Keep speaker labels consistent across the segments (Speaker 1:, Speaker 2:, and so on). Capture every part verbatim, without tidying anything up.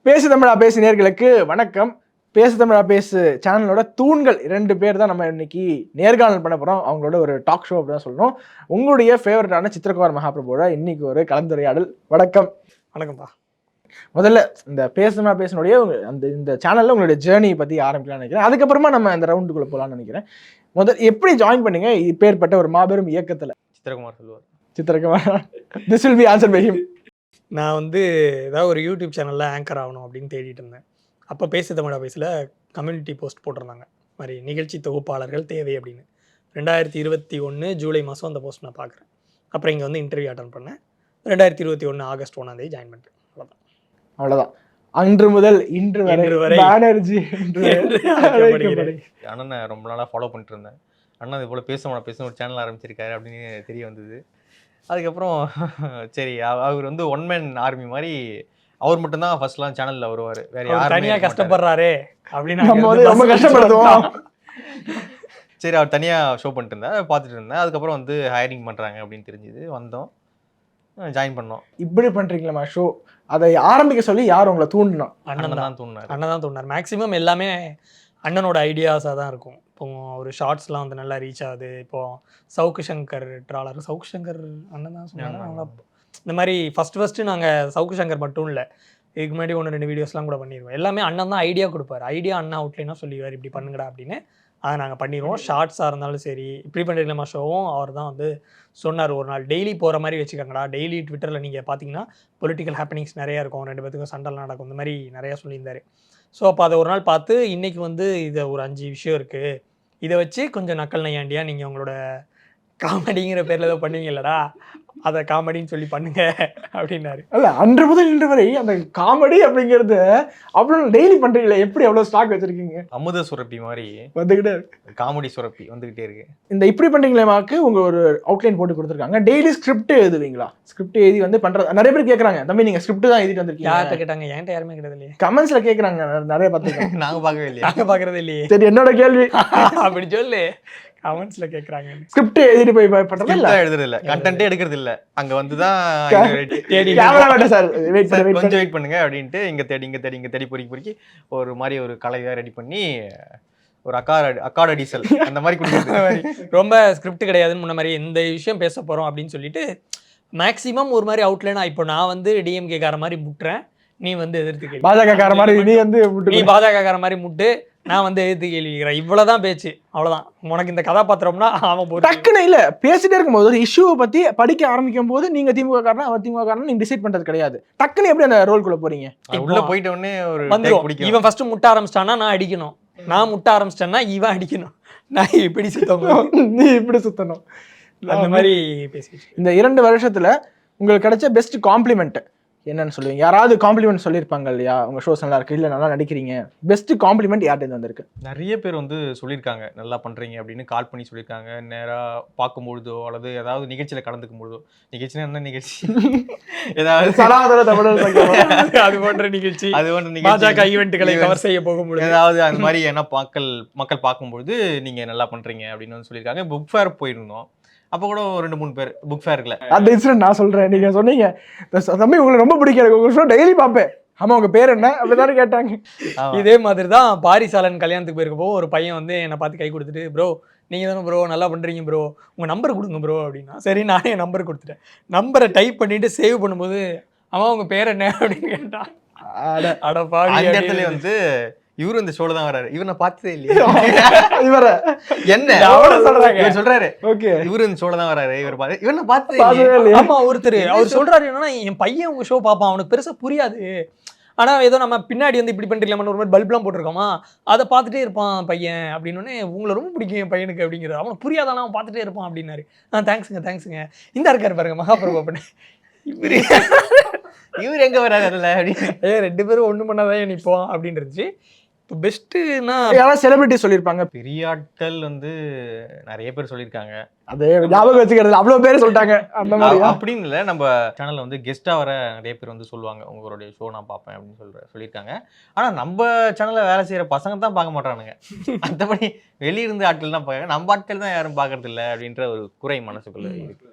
Speaker 1: பேசு தமிழா பேசு நேயர்களுக்கு வணக்கம். பேசு தமிழா பேசு சேனலோட தூண்கள் இரண்டு பேர் தான் நம்ம இன்னைக்கு நேர்காணல் பண்ண போறோம். அவங்களோட ஒரு டாக் ஷோ அப்படி தான் சொல்லணும். உங்களுடைய ஃபேவரட்டான சித்திரகுமார் மகாபிரபுவோட இன்னைக்கு ஒரு கலந்துரையாடல். வணக்கம்.
Speaker 2: வணக்கம்ப்பா.
Speaker 1: முதல்ல இந்த பேசு தமிழா பேசுனுடைய அந்த இந்த சேனல்ல உங்களுடைய ஜேர்னி பத்தி ஆரம்பிக்கலாம்னு நினைக்கிறேன். அதுக்கப்புறமா நம்ம இந்த ரவுண்டுக்குள்ள போகலாம்னு நினைக்கிறேன். முதல் எப்படி ஜாயின் பண்ணீங்க இப்பேற்பட்ட ஒரு மாபெரும் இயக்கத்துல?
Speaker 2: சித்திரகுமார் சொல்லுவார்.
Speaker 1: Chitrakumar, this will be answer by him.
Speaker 2: நான் வந்து ஏதாவது ஒரு யூடியூப் சேனலில் ஆங்கர் ஆகணும் அப்படின்னு தேடிட்டு இருந்தேன். அப்போ பேசு தமிழா பேசில் கம்யூனிட்டி போஸ்ட் போட்டிருந்தாங்க, மாதிரி நிகழ்ச்சி தொகுப்பாளர்கள் தேவை அப்படின்னு. ரெண்டாயிரத்தி இருபத்தி ஒன்று ஜூலை மாதம் அந்த போஸ்ட் நான் பார்க்குறேன். அப்புறம் இங்கே வந்து இன்டர்வியூ அட்டன் பண்ணேன். ரெண்டாயிரத்தி இருபத்தி ஒன்று ஆகஸ்ட் ஒன்றாந்தேதி ஜாயின் பண்ணுறேன். அவ்வளோதான்
Speaker 1: அவ்வளோதான். அன்று முதல் இன்று வரை பானர்ஜி
Speaker 3: அண்ணனை ரொம்ப நாளாக ஃபாலோ பண்ணிட்டு இருந்தேன். அண்ணா இது போல் பேச பேச ஒரு சேனல் ஆரம்பிச்சிருக்காரு அப்படின்னு தெரிய வந்தது. அதுக்கப்புறம் சரி, அவர் வந்து ஒன் மேன் ஆர்மி மாதிரி அவர் மட்டும்தான் ஃபர்ஸ்ட்லாம் சேனலில் வருவார், வேற யாரும்
Speaker 2: தனியாக கஷ்டப்படுறாரு அப்படின்னு
Speaker 1: ரொம்ப கஷ்டப்படுத்துவோம்.
Speaker 3: சரி, அவர் தனியாக ஷோ பண்ணிட்டு இருந்தேன், பார்த்துட்டு இருந்தேன். அதுக்கப்புறம் வந்து ஹையரிங் பண்ணுறாங்க அப்படின்னு தெரிஞ்சுது, வந்தோம், ஜாயின் பண்ணோம்.
Speaker 1: இப்படி பண்ணுறீங்களா ஷோ? அதை ஆரம்பிக்க சொல்லி யார் உங்களை தூண்டினா?
Speaker 2: அண்ணன் தான் தூண்டினார். அண்ணன் தான் தூண்டினார். மேக்ஸிமம் எல்லாமே அண்ணனோட ஐடியாஸாக தான் இருக்கும். இப்போ ஒரு ஷார்ட்ஸ்லாம் வந்து நல்லா ரீச் ஆகுது. இப்போது சவுக்கு சங்கர் ட்ராலர், சவுக்கு சங்கர் அண்ணன் தான் சொன்னாங்க. இந்த மாதிரி ஃபஸ்ட்டு ஃபஸ்ட்டு நாங்கள் சவுக்கு சங்கர் மட்டும் இல்லை, இதுக்கு முன்னாடி ஒன்று ரெண்டு வீடியோஸ்லாம் கூட பண்ணிடுவோம். எல்லாமே அண்ணன் தான் ஐடியா கொடுப்பார். ஐடியா அண்ணா அவுட்லைனாக சொல்லிடுவார், இப்படி பண்ணுங்கடா அப்படின்னு. அதை நாங்கள் பண்ணிடுவோம். ஷார்ட்ஸாக இருந்தாலும் சரி, இப்படி பண்ணுறீங்களா ஷோவும் அவர் தான் வந்து சொன்னார். ஒரு நாள் டெய்லி போகிற மாதிரி வச்சுக்கோங்கடா. டெய்லி ட்விட்டரில் நீங்கள் பார்த்தீங்கன்னா பொலிட்டிக்கல் ஹேப்பனிங்ஸ் நிறையா இருக்கும், ரெண்டு பேத்துக்கும் சண்டெல்லாம் நடக்கும், இந்த மாதிரி நிறையா சொல்லியிருந்தார். ஸோ அப்போ அதை ஒரு நாள் பார்த்து இன்றைக்கி வந்து இதை ஒரு அஞ்சு விஷயம் இருக்குது, இதை வச்சு கொஞ்சம் நக்கல் நையாண்டியா நீங்கள் உங்களோட காமெடிங்கிற பேரில் ஏதோ பண்ணுவீங்களடா, அதை காமெடின்னு சொல்லி பண்ணுங்க அப்படின்னாரு.
Speaker 1: அல்ல, அன்று முதல் இன்று வரை அந்த காமெடி அப்படிங்கிறது அவ்வளோ டெய்லி பண்ணுறீங்களே, எப்படி அவ்வளோ ஸ்டாக் வச்சுருக்கீங்க?
Speaker 3: அமுத சுரப்பி மாதிரி
Speaker 1: வந்துக்கிட்டே இருக்கு,
Speaker 3: காமெடி சுரப்பி வந்துக்கிட்டே இருக்கு.
Speaker 1: இந்த இப்படி பண்ணுறீங்களேமாக்கு உங்கள் ஒரு அவுட்லைன் போட்டு கொடுத்துருக்காங்க. Daily script எழுதுவீங்களா? ஸ்கிரிப்ட் எழுதி வந்து பண்ணுறது நிறைய பேர் கேட்குறாங்க, தம்பி நீங்கள் ஸ்கிரிப்ட் தான் எழுதிட்டு வந்திருக்கீங்க.
Speaker 2: யார்கிட்ட கேட்டாங்க? என்கிட்ட யாருமே கிடையாது இல்லையே.
Speaker 1: கமெண்ட்ஸில் கேட்குறாங்க, நிறைய பார்த்துருக்காங்க.
Speaker 3: நாங்கள் பார்க்கவே இல்லையா?
Speaker 2: நாங்கள் பார்க்குறதே இல்லையே.
Speaker 1: சரி, என்னோட கேள்வி
Speaker 2: அப்படி சொல்லு. கமெண்ட்ஸ்ல கேக்குறாங்க.
Speaker 1: ஸ்கிரிப்ட் எழுதிட்டு போய் பண்றது இல்ல,
Speaker 3: எழுதுறது இல்ல, கண்டென்ட்டே எடுக்கிறது இல்ல. அங்க வந்து தான்
Speaker 1: கேமராமேன் சார் வெயிட் பண்ணி
Speaker 3: கொஞ்சம் வெயிட் பண்ணுங்க அப்படின்ட்டு இங்க தேடி இங்க தேடி இங்க தேடி பொறுக்கி பொறுக்கி ஒரு மாதிரி ஒரு கலையா ரெடி பண்ணி ஒரு அக்காட அக்காட டீசல் அந்த மாதிரி கொடுக்குறது.
Speaker 2: ரொம்ப ஸ்கிரிப்ட் கிடையாதுன்னு முன்ன மாதிரி இந்த விஷயம் பேச போறோம் அப்படின்னு சொல்லிட்டு மேக்ஸிமம் ஒரு மாதிரி அவுட்லைனா, இப்போ நான் வந்து டிஎம்கே கார மாதிரி முட்டுறேன், நீ வந்து எதிர்த்து கேள்வி,
Speaker 1: பாஜக கார மாதிரி நீ வந்து
Speaker 2: நீ பாஜக கார மாதிரி முட்டு, நான் வந்து எதிர்த்து கேள்விக்கிறேன். இவ்வளவுதான் பேச்சு, அவ்வளவுதான். உனக்கு இந்த கதாபாத்திரம்னா அவன்
Speaker 1: டக்குன்னு இல்ல பேசிட்டே இருக்கும்போது ஒரு இஷ்யூவை பத்தி படிக்க ஆரம்பிக்கும் போது நீங்க திமுக காரனா அவர் திமுக காரனா நீங்க டிசைட் பண்றது கிடையாது. டக்குன்னு எப்படி அந்த ரோல்குள்ள போறீங்க?
Speaker 3: உள்ள போயிட்ட உடனே ஒரு
Speaker 2: வந்துரும். இவன் ஃபர்ஸ்ட் முட்ட ஆரம்பிச்சிட்டானா நான் அடிக்கணும், நான் முட்ட ஆரம்பிச்சிட்டேன்னா இவன் அடிக்கணும், நான் இப்படி சுத்தணும்,
Speaker 1: நீ இப்படி சுத்தணும்,
Speaker 2: அந்த மாதிரி பேசிட்டு.
Speaker 1: இந்த இரண்டு வருஷத்துல உங்களுக்கு கிடைச்ச பெஸ்ட் காம்ப்ளிமெண்ட் என்னன்னு சொல்லுவீங்க? யாராவது காம்ப்ளிமெண்ட் சொல்லியிருப்பாங்க இல்லையா, உங்க ஷோஸ் நல்லா இருக்கு, இல்லை நல்லா நடிக்கிறீங்க, பெஸ்ட் காம்ப்ளிமெண்ட் யார்கிட்ட வந்திருக்கு?
Speaker 3: நிறைய பேர் வந்து சொல்லியிருக்காங்க, நல்லா பண்றீங்க அப்படின்னு கால் பண்ணி சொல்லியிருக்காங்க. நேராக பார்க்கும்பொழுதோ அல்லது ஏதாவது நிகழ்ச்சியில கலந்துக்கும் பொழுதோ, நிகழ்ச்சினா என்ன நிகழ்ச்சி, ஏதாவது
Speaker 2: அது போன்ற நிகழ்ச்சி,
Speaker 3: அது போன்ற நிகழ்ச்சி,
Speaker 2: பாஜக ஈவெண்ட்டுகளை கவர் செய்ய போகும்போது
Speaker 3: ஏதாவது அந்த மாதிரி என்ன மக்கள் மக்கள் பார்க்கும்பொழுது நீங்க நல்லா பண்றீங்க அப்படின்னு வந்து சொல்லியிருக்காங்க. புக் ஃபேர் போயிருந்தோம், அப்போ கூட ஒரு ரெண்டு மூணு பேர் புக் ஃபேர்ல
Speaker 1: அந்த இன்சிடென்ட் நான் சொல்றேன். நீங்க சொன்னீங்க தம்பி உங்களுக்கு ரொம்ப பிடிக்காது, உங்க ஷோ டெய்லி பார்ப்பேன், ஆமா உங்க பேர் என்ன அப்படிதானே கேட்டாங்க.
Speaker 2: இதே மாதிரி தான் பாரிசாலன் கல்யாணத்துக்கு போயிருக்கப்போ ஒரு பையன் வந்து என்னை பார்த்து கை கொடுத்துட்டு, ப்ரோ நீங்கள் தானே ப்ரோ நல்லா பண்ணுறீங்க ப்ரோ, உங்கள் நம்பர் கொடுங்க ப்ரோ அப்படின்னா, சரி நானே என் நம்பர் கொடுத்துட்டேன். நம்பரை டைப் பண்ணிட்டு சேவ் பண்ணும்போது அவன் உங்கள் பேர் என்ன அப்படின்னு கேட்டான். அடப்பா,
Speaker 3: அந்த இடத்துல வந்து இவரு இந்த ஷோல தான் வராரு, இவரை பார்த்ததே இல்லையா,
Speaker 1: இவர
Speaker 3: என்ன சொல்றாங்க சொல்றாரு, ஓகே இவரு இந்த ஷோல தான் வராரு, இவர் பாத்து இவரை பார்த்ததே இல்லையா.
Speaker 2: ஆமா, ஒருத்தர் அவர் சொல்றாரு என்னன்னா, என் பையன் உங்க ஷோ பார்ப்பான், அவனுக்கு பெருசா புரியாது, ஆனா ஏதோ நம்ம பின்னாடி வந்து இப்படி பண்ணிருக்கலாம ஒரு மாதிரி பல்ப்லாம் போட்டிருக்கோமா, அதை பார்த்துட்டே இருப்பான் பையன் அப்படின்னு, உங்களை ரொம்ப பிடிக்கும் என் பையனுக்கு அப்படிங்கிறது, அவனுக்கு புரியாதானா அவன் பார்த்துட்டே இருப்பான் அப்படின்னாரு. ஆ தேங்க்ஸுங்க தேங்க்ஸுங்க, இந்த இருக்காரு பாருங்க மகாபிரபு அப்படின்னு. இவரு
Speaker 3: இவர் எங்க வராது அதில் அப்படின்னு,
Speaker 2: ஏ ரெண்டு பேரும் ஒண்ணு பண்ணாதான் நிற்போம் அப்படின்னு இருந்துச்சு. இப்போ பெஸ்ட்டுன்னா
Speaker 1: யாராவது செலிபிரிட்டி சொல்லியிருப்பாங்க,
Speaker 3: பெரிய ஆட்கள் வந்து நிறைய பேர் சொல்லியிருக்காங்க,
Speaker 1: அதே ஞாபகம் வச்சுக்கிறது அவ்வளோ பேர் சொல்லிட்டாங்க அந்த மாதிரி
Speaker 3: அப்படின்னு இல்லை. நம்ம சேனலில் வந்து கெஸ்ட்டாக வர நிறைய பேர் வந்து சொல்லுவாங்க, உங்களுடைய ஷோ நான் பார்ப்பேன் அப்படின்னு சொல்ற சொல்லியிருக்காங்க. ஆனால் நம்ம சேனலில் வேலை செய்கிற பசங்க தான் பார்க்க மாட்டானுங்க, மற்றபடி வெளியிருந்து ஆட்கள் தான் பார்க்க, நம்ம ஆட்கள் தான் யாரும் பார்க்கறது இல்லை அப்படின்ற ஒரு குறை மனசுக்குள்ள இருக்கு.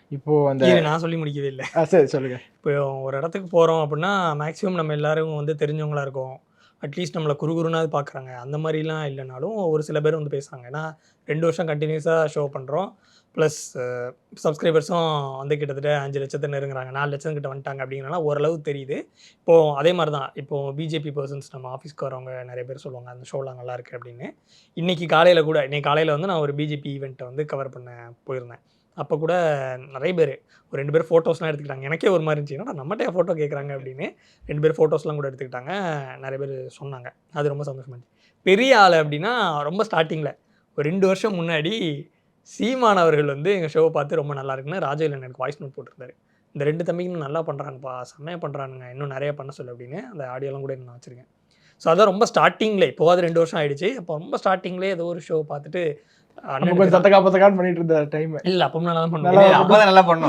Speaker 1: இப்போ அந்த
Speaker 2: இரு, நான் சொல்லி முடிக்கவே இல்லை.
Speaker 1: ஆ, சரி சொல்லுங்க.
Speaker 2: இப்போ ஒரு இடத்துக்கு போகிறோம் அப்படின்னா மேக்ஸிமம் நம்ம எல்லாரும் வந்து தெரிஞ்சவங்களா இருக்கோம். அட்லீஸ்ட் நம்மளை குறுகுறுனாவது பார்க்குறாங்க. அந்த மாதிரிலாம் இல்லைனாலும் ஒரு சில பேர் வந்து பேசுகிறாங்க. ஏன்னா ரெண்டு வருஷம் கண்டினியூஸாக ஷோ பண்ணுறோம். ப்ளஸ் சப்ஸ்கிரைபர்ஸும் வந்து கிட்டத்தட்ட அஞ்சு லட்சத்தை நெருங்குறாங்க, நாலு லட்சம் கிட்ட வந்துட்டாங்க. அப்படிங்கிறனால ஓரளவு தெரியுது. இப்போது அதே மாதிரி தான் இப்போது பிஜேபி பர்சன்ஸ் நம்ம ஆஃபீஸ்க்கு வரவங்க நிறைய பேர் சொல்லுவாங்க அந்த ஷோலாம் நல்லா இருக்குது அப்படின்னு. இன்றைக்கி காலையில் கூட இன்றைக்கி காலையில் வந்து நான் ஒரு பிஜேபி ஈவெண்ட்டை வந்து கவர் பண்ண போயிருந்தேன். அப்போ கூட நிறைய பேர் ஒரு ரெண்டு பேர் ஃபோட்டோஸ்லாம் எடுத்துக்கிட்டாங்க. எனக்கே ஒரு மாதிரி இருந்துச்சு, ஏன்னா நம்மகிட்ட ஃபோட்டோ கேட்குறாங்க அப்படின்னு. ரெண்டு பேர் ஃபோட்டோஸ்லாம் கூட எடுத்துக்கிட்டாங்க. நிறைய பேர் சொன்னாங்க, அது ரொம்ப சந்தோஷமா இருந்துச்சு. பெரிய ஆள் அப்படின்னா ரொம்ப ஸ்டார்டிங்கில் ஒரு ரெண்டு வருஷம் முன்னாடி சீமான் அவர்கள் வந்து எங்கள் ஷோவை பார்த்து ரொம்ப நல்லா இருக்குன்னு ராஜவேலன் எனக்கு வாய்ஸ் நோட் போட்டிருந்தாரு. இந்த ரெண்டு தம்பிங்களும் நல்லா பண்ணுறாங்கப்பா, செம்மையாக பண்ணுறானுங்க, இன்னும் நிறைய பண்ண சொல்லு அப்படின்னு. அந்த ஆடியோலாம் கூட நான் வச்சுருக்கேன். ஸோ அதான் ரொம்ப ஸ்டார்டிங்கில், இப்போவாது ரெண்டு வருஷம் ஆயிடுச்சு. அப்போ ரொம்ப ஸ்டார்டிங்லேயே ஏதோ ஒரு ஷோ பார்த்துட்டு
Speaker 1: நம்ம கொஞ்சம் தத்தக்கா பத்தக்கான்னு பண்ணிட்டு இருந்த டைம்.
Speaker 2: இல்லை, அப்போ நல்லா தான்
Speaker 1: நல்லா
Speaker 2: பண்ணுவேன்.
Speaker 3: அப்பதான் நல்லா பண்ணோம்.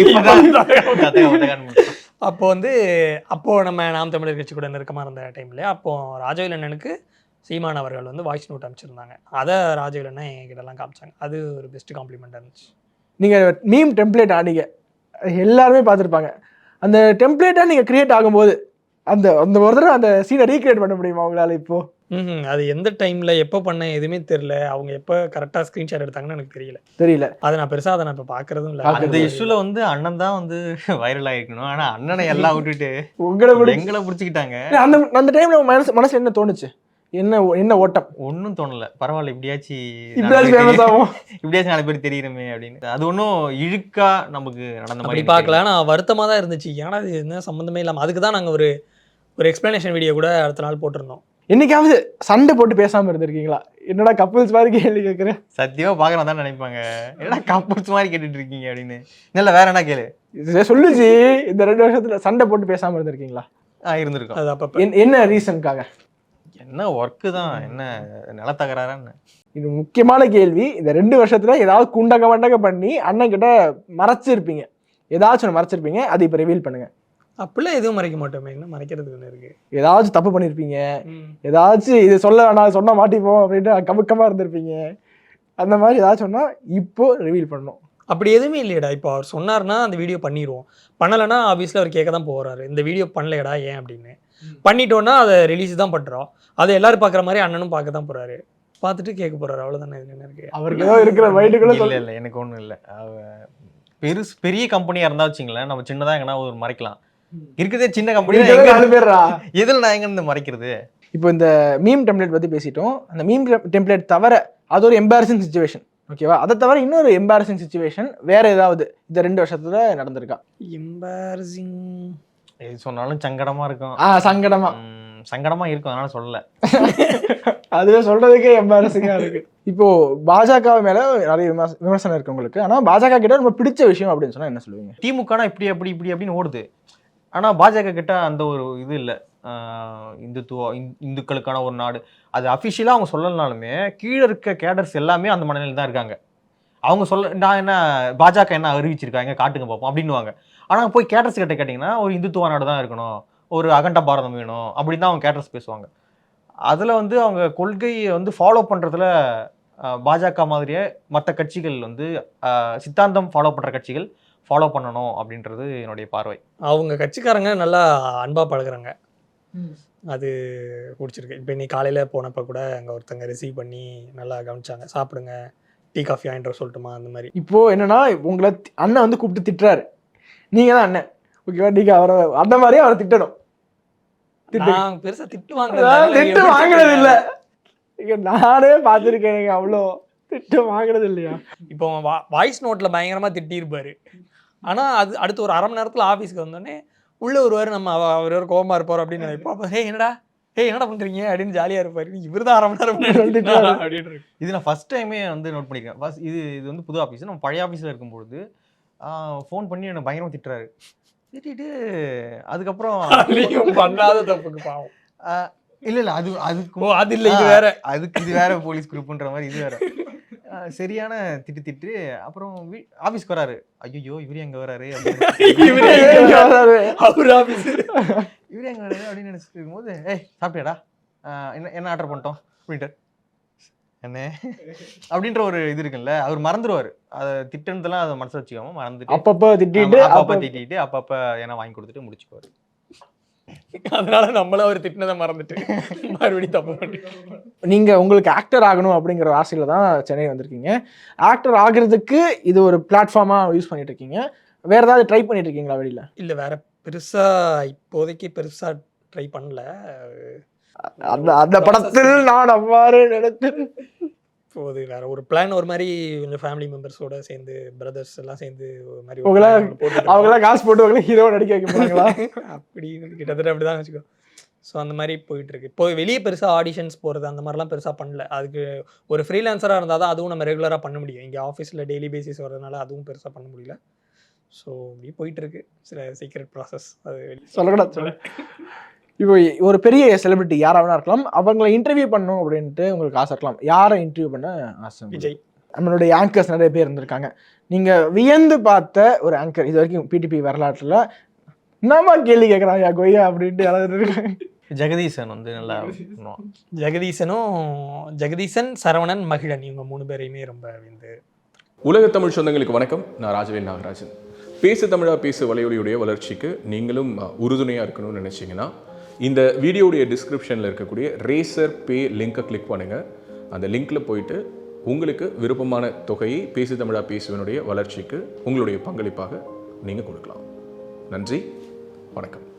Speaker 3: இப்பதான்
Speaker 2: அப்போ வந்து அப்போ நம்ம நாம் தமிழர் கட்சி கூட நெருக்கமாக இருந்த டைம்ல அப்போ ராஜவேலண்ணனுக்கு சீமான் அவர்கள் வந்து வாய்ஸ் நோட் அனுப்பிச்சிருந்தாங்க. அதை ராஜவேலண்ணன் என்கிட்டலாம் காமிச்சாங்க. அது ஒரு பெஸ்ட் காம்ப்ளிமெண்ட்டாக இருந்துச்சு.
Speaker 1: நீங்கள் மீம் டெம்ப்ளேட் ஆனீங்க, எல்லாருமே பார்த்துருப்பாங்க. அந்த டெம்ப்ளேட்டாக நீங்கள் கிரியேட் ஆகும்போது அந்த அந்த ஒரு தடவை அந்த சீனை ரீக்ரியேட் பண்ண முடியுமா உங்களால்? இப்போ
Speaker 2: ம் அது எந்த டைமில் எப்போ பண்ண எதுவுமே தெரியல. அவங்க எப்போ கரெக்டாக ஸ்க்ரீன்ஷாட் எடுத்தாங்கன்னு எனக்கு தெரியல
Speaker 1: தெரியல
Speaker 2: அதை நான் பெருசாக அதை நான் இப்போ பார்க்குறதும் இல்லை.
Speaker 3: அந்த இஷ்யூல வந்து அண்ணன் தான் வந்து வைரல் ஆகிருக்கணும். ஆனா அண்ணனை எல்லாம் விட்டுட்டு
Speaker 1: உங்களை விட
Speaker 3: எங்களை பிடிச்சிக்கிட்டாங்க.
Speaker 1: அந்த அந்த டைம்ல உங்க மனசு மனசு என்ன தோணுச்சு? என்ன என்ன ஓட்டம்?
Speaker 3: ஒன்றும் தோணல. பரவாயில்ல, இப்படியாச்சும்
Speaker 1: இப்படியாச்சும் ஃபேமஸ் ஆகும்,
Speaker 3: இப்படியாச்சும் நாலு பேர் தெரியுறமே அப்படின்னு. அது ஒன்றும் இழுக்கா நமக்கு நடந்த
Speaker 2: அப்படி
Speaker 3: மாதிரி
Speaker 2: பார்க்கல. நான் வருத்தமாக தான் இருந்துச்சு, ஏன்னா அது என்ன சம்மந்தமே இல்லாமல். அதுக்கு தான் நாங்கள் ஒரு ஒரு எக்ஸ்பிளனேஷன் வீடியோ கூட அடுத்த நாள் போட்டிருந்தோம்.
Speaker 1: என்னைக்காவது சண்டை போட்டு பேசாம இருந்திருக்கீங்களா? என்னடா கப்புள்ஸ் மாதிரி கேள்வி கேட்குறேன்.
Speaker 3: சத்தியமா பார்க்கலாம் தான் நினைப்பாங்க, என்னடா கப்புள்ஸ் மாதிரி கேட்டுட்டு இருக்கீங்க அப்படின்னு. இல்லை வேற என்ன கேளு
Speaker 1: சொல்லுச்சு. இந்த ரெண்டு வருஷத்துல சண்டை போட்டு பேசாம இருந்திருக்கீங்களா?
Speaker 3: ஆ இருந்திருக்கோம்.
Speaker 2: அது அப்போ
Speaker 1: என்ன ரீசனுக்காக?
Speaker 3: என்ன ஒர்க்கு தான், என்ன நிலத்தகராறா என்ன?
Speaker 1: இது முக்கியமான கேள்வி. இந்த ரெண்டு வருஷத்துல ஏதாவது குண்டக மண்டக பண்ணி அண்ணன் கிட்ட மறைச்சிருப்பீங்க, ஏதாச்சும் ஒன்று மறைச்சிருப்பீங்க, அது இப்போ ரிவீல் பண்ணுங்க.
Speaker 2: அப்படிலாம் எதுவும் மறைக்க மாட்டோமே, என்ன மறைக்கிறதுக்கு ஒன்று இருக்கு.
Speaker 1: ஏதாச்சும் தப்பு பண்ணியிருப்பீங்க, ஏதாச்சும் இது சொல்ல வேணாம் சொன்னா மாட்டிப்போம் அப்படின்ட்டு கமுக்கமா இருந்திருப்பீங்க. அந்த மாதிரி ஏதாச்சும் சொன்னா இப்போ ரிவீல் பண்ணணும்.
Speaker 2: அப்படி எதுவுமே இல்லையடா. இப்போ அவர் சொன்னார்னா அந்த வீடியோ பண்ணிடுவோம், பண்ணலைன்னா ஆப்வியஸ்லி அவர் கேட்க தான் போகிறாரு, இந்த வீடியோ பண்ணலையடா ஏன் அப்படின்னு. பண்ணிட்டோன்னா அதை ரிலீஸ் தான் பண்ணுறோம், அதை எல்லாரும் பார்க்குற மாதிரி அண்ணனும் பார்க்க தான் போகிறாரு, பார்த்துட்டு கேட்க போகிறாரு, அவ்வளோதானே. இது என்ன இருக்கு
Speaker 1: அவருக்கு ஏதோ இருக்கிற மைண்டுக்குள்ள
Speaker 3: இல்லை இல்லை எனக்கு ஒன்றும் இல்லை. பெருசு பெரிய கம்பெனியாக இருந்தால் வச்சுங்களேன், நம்ம சின்னதாக எங்கன்னா ஒரு மறைக்கலாம். இருக்கிறதே சின்ன கம்பெனி, எதில் நான் எங்க இருந்து மறைக்கிறது?
Speaker 1: இப்போ இந்த மீம் டெம்ப்ளேட் பற்றி பேசிட்டோம். அந்த மீம் டெம்ப்ளேட் தவிர அது ஒரு எம்பாரசிங் சுச்சுவேஷன், ஓகேவா? அதை தவிர இன்னொரு எம்பாரசிங் சுச்சுவேஷன் வேற ஏதாவது இந்த ரெண்டு வருஷத்துல நடந்திருக்கா?
Speaker 2: எம்பாரசிங்
Speaker 3: எது சொன்னாலும் சங்கடமா இருக்கும்.
Speaker 1: ஆ சங்கடமா
Speaker 3: சங்கடமா இருக்கும், அதனால சொல்லல.
Speaker 1: அதுவே சொல்றதுக்கே எம்பாரசிங்கா இருக்கு. இப்போ பாஜக மேல நிறைய விமர்சனம் இருக்கு உங்களுக்கு, ஆனா பாஜக கிட்ட ரொம்ப பிடிச்ச விஷயம் அப்படின்னு சொன்னா என்ன சொல்லுவீங்க?
Speaker 3: திமுகனா இப்படி அப்படி இப்படி அப்படின்னு ஓடுது, ஆனா பாஜக கிட்ட அந்த ஒரு இது இல்லை. இந்துத்துவ இந்துக்களுக்கான ஒரு நாடு, அது அஃபிஷியலாக அவங்க சொல்லலனாலுமே கீழே இருக்க கேடர்ஸ் எல்லாமே அந்த மனநிலையில் தான் இருக்காங்க. அவங்க சொல்ல நான் என்ன பாஜக என்ன அறிவிச்சிருக்காங்க காட்டுங்க பார்ப்போம் அப்படின்னுவாங்க. ஆனால் போய் கேடர்ஸ் கிட்ட கேட்டிங்கன்னா ஒரு இந்துத்துவ நாடு தான் இருக்கணும், ஒரு அகண்ட பாரதம் வேணும் அப்படின்னு தான் அவங்க கேடர்ஸ் பேசுவாங்க. அதில் வந்து அவங்க கொள்கையை வந்து ஃபாலோ பண்ணுறதுல பாஜக மாதிரியே மற்ற கட்சிகள் வந்து சித்தாந்தம் ஃபாலோ பண்ணுற கட்சிகள் ஃபாலோ பண்ணணும் அப்படின்றது என்னுடைய பார்வை.
Speaker 2: அவங்க கட்சிக்காரங்க நல்லா அன்பாக பழகுறாங்க, அது பிடிச்சிருக்கு. இப்போ இன்னைக்கு காலையில் போனப்போ கூட அங்கே ஒருத்தங்க ரிசீவ் பண்ணி நல்லா கவனிச்சாங்க, சாப்பிடுங்க டீ காஃபி ஆயின்ற சொல்லட்டுமா அந்த மாதிரி.
Speaker 1: இப்போ என்னன்னா உங்களை அண்ணன் வந்து கூப்பிட்டு திட்டுறாரு, நீங்க தான் அண்ணன், ஓகேவா? நீங்க அவரை அந்த மாதிரியே அவரை திட்டணும்.
Speaker 2: நான் பெருசா திட்டு
Speaker 1: திட்டு வாங்கினது இல்ல, நானே பார்த்துருக்கேன், அவ்வளோ திட்டு வாங்கினது இல்லையா?
Speaker 2: இப்போ வாய்ஸ் நோட்ல பயங்கரமா திட்டிருப்பாரு, ஆனா அது அடுத்து ஒரு அரை மணி நேரத்துல ஆஃபீஸ்க்கு வந்தோடனே உள்ள ஒருவாரு நம்ம அவர் ஒரு கோபமா இருப்பார் அப்படின்னு நினைப்போம். அப்போ ஹே என்னடா ஹே என்னடா பண்றீங்க அப்படின்னு ஜாலியா இருப்பாரு. இவர் தான் அரை மணி நேரம் அப்படின்னு.
Speaker 3: இது நான் ஃபர்ஸ்ட் டைமே வந்து நோட் பண்ணிக்கிறேன். ஃபர்ஸ்ட் இது இது வந்து புது ஆஃபீஸ். நம்ம பழைய ஆஃபீஸில் இருக்கும்பொழுது ஃபோன் பண்ணி என்னை பயங்கரமாக திட்டுறாரு. திட்டிட்டு அதுக்கப்புறம்
Speaker 2: பண்ணாத தப்புக்கு பாவம்.
Speaker 3: இல்லை இல்லை அது அதுக்கு
Speaker 2: அது இல்லை இது வேற,
Speaker 3: அதுக்கு இது வேற போலீஸ் குரூப்புன்ற மாதிரி இது வேற சரியான திட்டு திட்டு. அப்புறம் ஆஃபீஸ்க்கு வராரு, ஐயோ இவரு எங்க வராரு இவரு எங்க வராரு அப்படின்னு நினைச்சிட்டு இருக்கும்போது, ஏய் சாப்பிட்டியாடா, என்ன என்ன ஆர்டர் பண்ணிட்டோம் அப்படின்ட்டு, என்ன அப்படின்ற ஒரு இது இருக்குல்ல, அவர் மறந்துடுவார். அதை திட்டனதெல்லாம் அதை மனசில் வச்சுக்காம மறந்துட்டு
Speaker 1: அப்பப்போ திட்டிட்டு
Speaker 3: அப்பப்போ திட்டிட்டு அப்பப்போ ஏன்னா வாங்கி கொடுத்துட்டு முடிச்சுக்குவார்.
Speaker 2: அதனால நம்மள அவர் திட்டினதை மறந்துட்டு மறுபடியும் தப்பு பண்ணி.
Speaker 1: நீங்க உங்களுக்கு ஆக்டர் ஆகணும் அப்படிங்கிற ஆசையில தான் சென்னை வந்திருக்கீங்க. ஆக்டர் ஆகிறதுக்கு இது ஒரு பிளாட்ஃபார்மா யூஸ் பண்ணிட்டு இருக்கீங்க. வேற ஏதாவது ட்ரை பண்ணிட்டு இருக்கீங்களா வெளியில?
Speaker 2: இல்லை வேற பெருசா இப்போதைக்கு பெருசா ட்ரை பண்ணல.
Speaker 1: அந்த அந்த படத்தில் நான் அவ்வாறு நினைத்தேன்.
Speaker 2: இப்போது வேற ஒரு பிளான் ஒரு மாதிரி கொஞ்சம் ஃபேமிலி மெம்பர்ஸோட சேர்ந்து பிரதர்ஸ் எல்லாம் சேர்ந்து ஒரு மாதிரி
Speaker 1: உங்களா அவங்களாம் காசு போட்டு அவங்கள ஹீரோ நடிக்க வைக்க போறாங்களா?
Speaker 2: அப்படி கிட்டத்தட்ட அப்படிதான் வச்சுக்கோ. ஸோ அந்த மாதிரி போயிட்டு இருக்கு. இப்போ வெளியே பெருசா ஆடிஷன்ஸ் போகிறது அந்த மாதிரிலாம் பெருசாக பண்ணல. அதுக்கு ஒரு ஃப்ரீலான்சராக இருந்தால் தான் அதுவும் நம்ம ரெகுலராக பண்ண முடியும். இங்கே ஆஃபீஸில் டெய்லி பேசிஸ் வரதுனால அதுவும் பெருசாக பண்ண முடியல. ஸோ இப்படி போயிட்டு இருக்கு சில சீக்ரெட் ப்ராசஸ். அது
Speaker 1: சொல்லக்கூடாது சொல்ல. இப்போ ஒரு பெரிய செலிபிரிட்டி யாராவது இருக்கலாம், அவங்கள இன்டர்வியூ பண்ணணும் அப்படின்ட்டு உங்களுக்கு ஆசை இருக்கலாம். யாரை இன்டர்வியூ பண்ண ஆசை?
Speaker 2: விஜய்.
Speaker 1: நம்மளுடைய ஆங்கர்ஸ் நிறைய பேர் இருந்திருக்காங்க. நீங்க வியந்து பார்த்த ஒரு ஆங்கர் இது வரைக்கும் பிடிபி வரலாற்றுல என்னமா கேள்வி கேட்குறாங்க கொய்யா அப்படின்ட்டு யாராவது இருக்காங்க?
Speaker 3: ஜெகதீசன் வந்து நல்லா பண்ணுவான்.
Speaker 2: ஜெகதீசனும் ஜெகதீசன், சரவணன், மகிழன் இவங்க மூணு பேரையுமே ரொம்ப வந்து.
Speaker 4: உலக தமிழ் சொந்தங்களுக்கு வணக்கம். நான் ராஜவேல் நாகராஜன். பேசு தமிழா பேசு வலையொலியுடைய வளர்ச்சிக்கு நீங்களும் உறுதுணையாக இருக்கணும்னு நினச்சிங்கன்னா இந்த வீடியோடைய டிஸ்கிரிப்ஷனில் இருக்கக்கூடிய ரேசர் பே லிங்கை கிளிக் பண்ணுங்கள். அந்த லிங்க்கில் போயிட்டு உங்களுக்கு விருப்பமான தொகையை பேசு தமிழா பேசுவனுடைய வளர்ச்சிக்கு உங்களுடைய பங்களிப்பாக நீங்கள் கொடுக்கலாம். நன்றி, வணக்கம்.